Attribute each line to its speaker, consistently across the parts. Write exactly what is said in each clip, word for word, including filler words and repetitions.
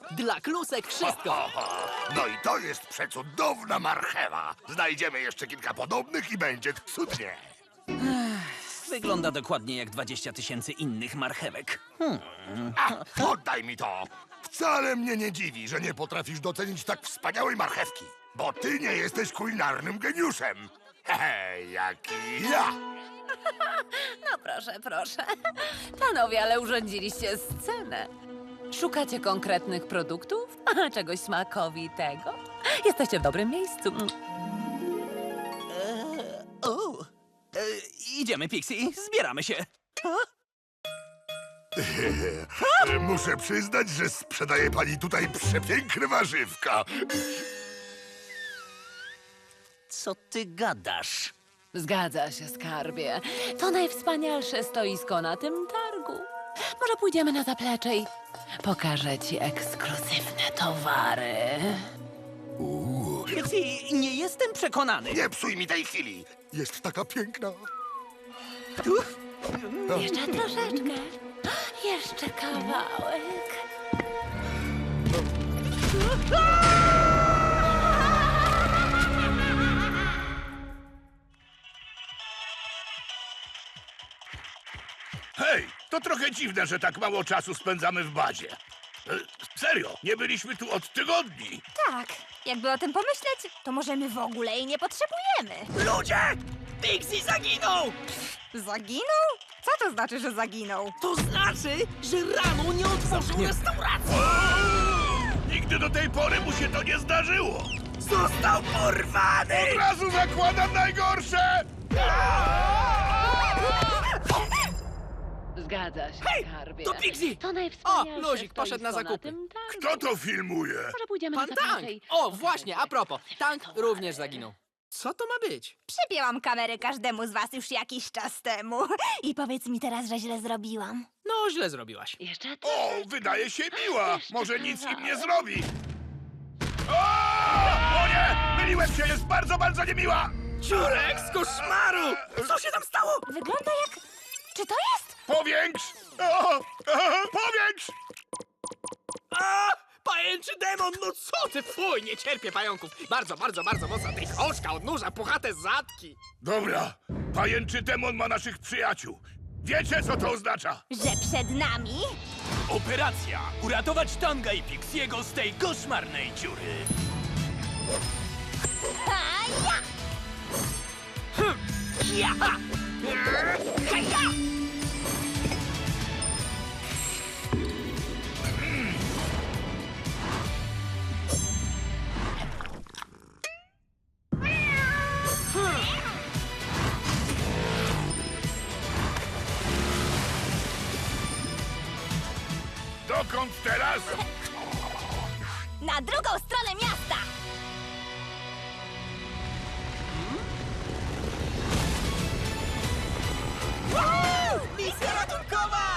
Speaker 1: Dla klusek wszystko.
Speaker 2: Oho, no i to jest przecudowna marchewa. Znajdziemy jeszcze kilka podobnych i będzie cudnie.
Speaker 3: Wygląda dokładnie jak dwadzieścia tysięcy innych marchewek.
Speaker 2: A, oddaj mi to. Wcale mnie nie dziwi, że nie potrafisz docenić tak wspaniałej marchewki. Bo ty nie jesteś kulinarnym geniuszem. Hehe, jak i ja.
Speaker 4: No proszę, proszę. Panowie, ale urządziliście scenę. Szukacie konkretnych produktów? Czegoś smakowitego? Jesteście w dobrym miejscu.
Speaker 3: O, e, idziemy, Pixie, zbieramy się.
Speaker 2: Muszę przyznać, że sprzedaje pani tutaj przepiękne warzywka.
Speaker 3: Co ty gadasz?
Speaker 4: Zgadza się, skarbie. To najwspanialsze stoisko na tym targu. Może pójdziemy na zaplecze i pokażę ci ekskluzywne towary.
Speaker 3: Pixie, nie jestem przekonany.
Speaker 2: Nie psuj mi tej chwili. Jest taka piękna.
Speaker 4: Jeszcze troszeczkę. Jeszcze kawałek.
Speaker 2: Hej, to trochę dziwne, że tak mało czasu spędzamy w bazie. E, Serio, nie byliśmy tu od tygodni.
Speaker 5: Tak, jakby o tym pomyśleć, to może my w ogóle jej nie potrzebujemy.
Speaker 3: Ludzie! Pixie zaginął!
Speaker 5: Zaginął? Co to znaczy, że zaginął?
Speaker 1: To znaczy, że rano nie otworzył restauracji.
Speaker 2: Nigdy do tej pory mu się to nie zdarzyło.
Speaker 3: Został porwany!
Speaker 2: Od razu zakładam najgorsze!
Speaker 4: Zgadza się,
Speaker 1: Hej,
Speaker 4: skarbie.
Speaker 1: to Pixie!
Speaker 4: To najwspanialsze
Speaker 1: O, Luzik poszedł na
Speaker 4: stoisko
Speaker 1: zakupy.
Speaker 4: tym targu.
Speaker 2: Kto to filmuje?
Speaker 4: Może pójdziemy
Speaker 1: Pan
Speaker 4: na
Speaker 1: Tank!
Speaker 4: zaplecze i
Speaker 1: O,
Speaker 4: pokażę
Speaker 1: właśnie,
Speaker 4: ci
Speaker 1: a propos. Tank
Speaker 4: ekskluzywne
Speaker 1: również
Speaker 4: towary.
Speaker 1: zaginął. Co to ma być?
Speaker 5: Przypięłam kamerę każdemu z was już jakiś czas temu. I powiedz mi teraz, że źle zrobiłam.
Speaker 1: No, źle zrobiłaś.
Speaker 4: Jeszcze
Speaker 2: O,
Speaker 4: troszeczkę.
Speaker 2: wydaje się miła.
Speaker 4: Jeszcze
Speaker 2: Może nic im nie
Speaker 4: kawałek.
Speaker 2: zrobi. O! O nie! Myliłem się, jest bardzo, bardzo niemiła!
Speaker 1: Ciurek z koszmaru! Co się tam stało?
Speaker 5: Wygląda jak... Czy to jest?
Speaker 2: Powiększ! O! O! Powiększ!
Speaker 1: A! Pajęczy demon, no co ty? Fuj, nie cierpię pająków. Bardzo, bardzo, bardzo mocno. Tej choszka odnurza puchate zadki.
Speaker 2: Dobra, pajęczy demon ma naszych przyjaciół. Wiecie, co to oznacza?
Speaker 5: Że przed nami?
Speaker 3: Operacja! Uratować Tanga i Pixiego z tej koszmarnej dziury.
Speaker 5: A ja!
Speaker 1: Ja! Haja!
Speaker 2: Dokąd teraz?
Speaker 5: Na drugą stronę miasta!
Speaker 1: Misja ratunkowa!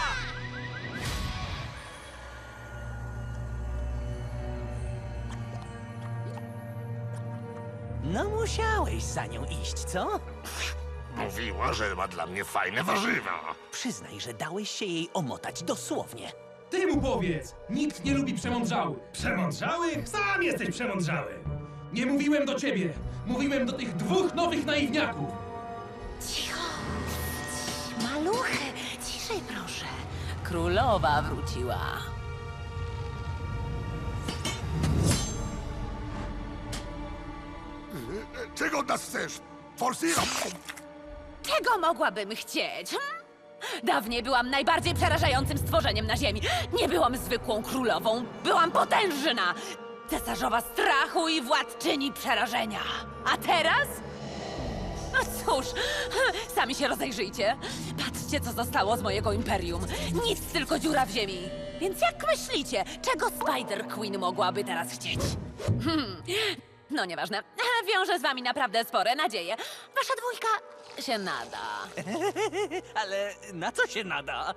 Speaker 3: No musiałeś za nią iść, co?
Speaker 2: Mówiła, że ma dla mnie fajne warzywa.
Speaker 3: Przyznaj, że dałeś się jej omotać dosłownie.
Speaker 6: Ty mu powiedz! Nikt nie lubi przemądrzałych. Przemądrzałych? Sam jesteś przemądrzały. Nie mówiłem do ciebie. Mówiłem do tych dwóch nowych naiwniaków.
Speaker 4: Cicho. Maluchy, ciszej proszę. Królowa wróciła.
Speaker 2: Czego od nas chcesz? Forsira!
Speaker 4: Czego mogłabym chcieć? Hm? Dawniej byłam najbardziej przerażającym stworzeniem na ziemi. Nie byłam zwykłą królową, byłam potężna. Cesarzowa strachu i władczyni przerażenia. A teraz? No cóż, sami się rozejrzyjcie. Patrzcie, co zostało z mojego imperium. Nic, tylko dziura w ziemi. Więc jak myślicie, czego Spider Queen mogłaby teraz chcieć? Hmm. No nieważne. Wiążę z wami naprawdę spore nadzieje. Wasza dwójka się nada.
Speaker 3: Ale na co się nada?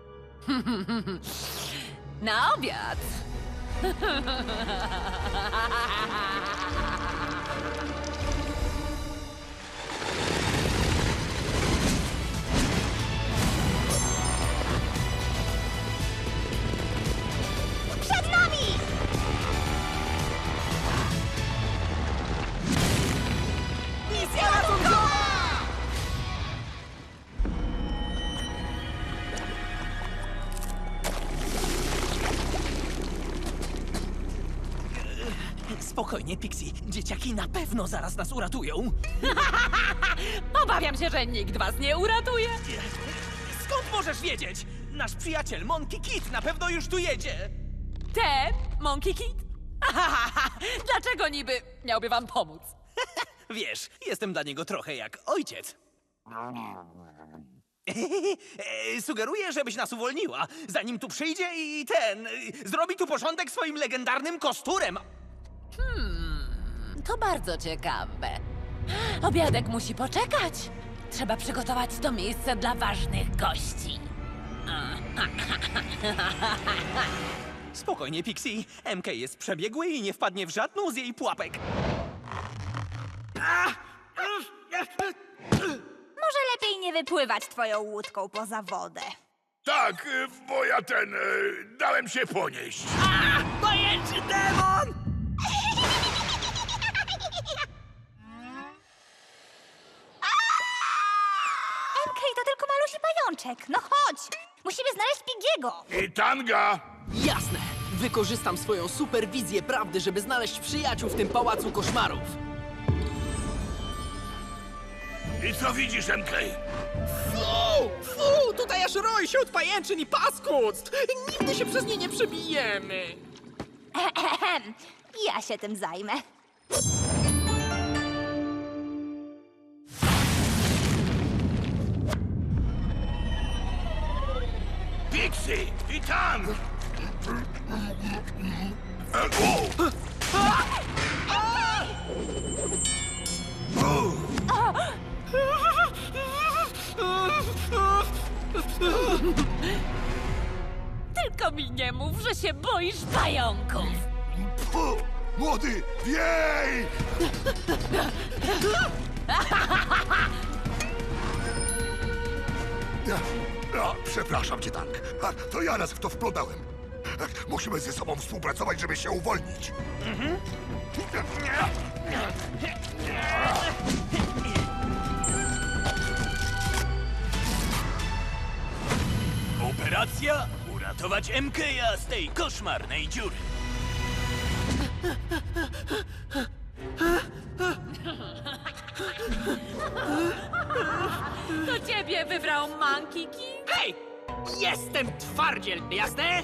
Speaker 4: Na obiad.
Speaker 5: Przed nami!
Speaker 3: Spokojnie, Pixie. Dzieciaki na pewno zaraz nas uratują.
Speaker 4: Obawiam się, że nikt was nie uratuje.
Speaker 3: Skąd możesz wiedzieć? Nasz przyjaciel Monkey Kid na pewno już tu jedzie.
Speaker 4: Te, Monkey Kid? Dlaczego niby miałby wam pomóc?
Speaker 3: Wiesz, jestem dla niego trochę jak ojciec. E, Sugeruję, żebyś nas uwolniła, zanim tu przyjdzie i ten... y, zrobi tu porządek swoim legendarnym kosturem.
Speaker 4: To bardzo ciekawe. Obiadek musi poczekać. Trzeba przygotować to miejsce dla ważnych gości.
Speaker 3: Spokojnie, Pixie. M K jest przebiegły i nie wpadnie w żadną z jej pułapek.
Speaker 5: Może lepiej nie wypływać twoją łódką poza wodę.
Speaker 2: Tak, y, bo ja ten... y, dałem się ponieść.
Speaker 1: Pajęczy demon!
Speaker 5: M K to tylko malusi pajączek. No chodź! Musimy znaleźć Pigiego.
Speaker 2: I tanga!
Speaker 1: Jasne. Wykorzystam swoją superwizję prawdy, żeby znaleźć przyjaciół w tym pałacu koszmarów.
Speaker 2: I co widzisz, M K?
Speaker 1: Fu! Fu! Tutaj aż roi się od pajęczyn i paskudstw! Nigdy się przez nie nie przebijemy!
Speaker 5: Ehem. Ja się tym zajmę.
Speaker 2: Pixie! I tang! E, o!
Speaker 4: Tylko mi nie mów, że się boisz pająków.
Speaker 2: Fu! Młody, wiej! No, przepraszam cię, Tank. A, to ja nas w to wplątałem. Musimy ze sobą współpracować, żeby się uwolnić.
Speaker 3: Operacja uratować M K z tej koszmarnej dziury.
Speaker 4: To ciebie wybrał Monkey King?
Speaker 1: Hej! Jestem twardziel, jasne?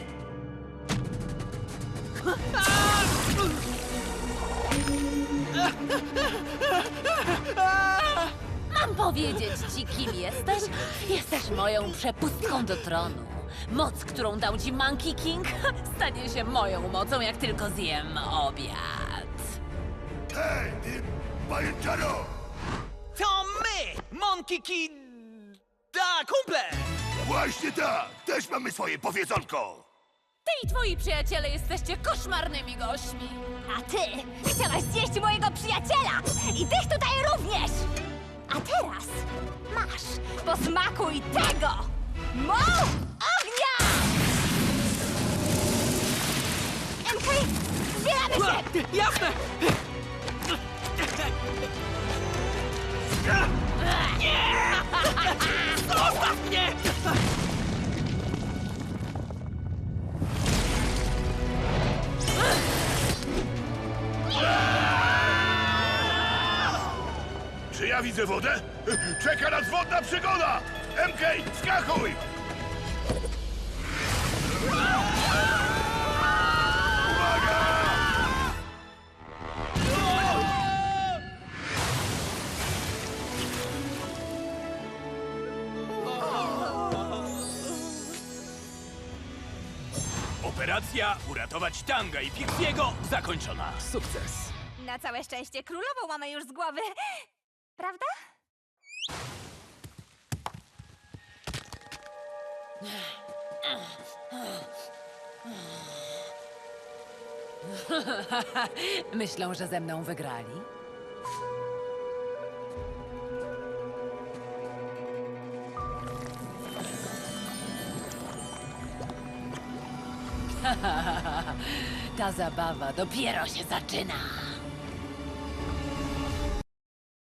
Speaker 4: Mam powiedzieć ci, kim jesteś? Jesteś moją przepustką do tronu. Moc, którą dał ci Monkey King, stanie się moją mocą, jak tylko zjem obiad.
Speaker 2: Hej, ty pajęczaro!
Speaker 3: To my, Monkey Kid... Da, kumple!
Speaker 2: Właśnie tak! Też mamy swoje powiedzonko!
Speaker 4: Ty i twoi przyjaciele jesteście koszmarnymi gośćmi.
Speaker 5: A ty chciałaś zjeść mojego przyjaciela! I tych tutaj również! A teraz masz, posmakuj tego! Moł ognia! M K, zbieramy się!
Speaker 1: Jasne! Nie! Zostaw mnie!
Speaker 2: Czy ja widzę wodę? Czeka nas wodna przygoda! M K, skakuj!
Speaker 3: Operacja uratować Tanga i Pixiego zakończona.
Speaker 1: Sukces.
Speaker 5: Na całe szczęście królową mamy już z głowy. Prawda?
Speaker 4: Myślą, że ze mną wygrali? Ta zabawa dopiero się zaczyna.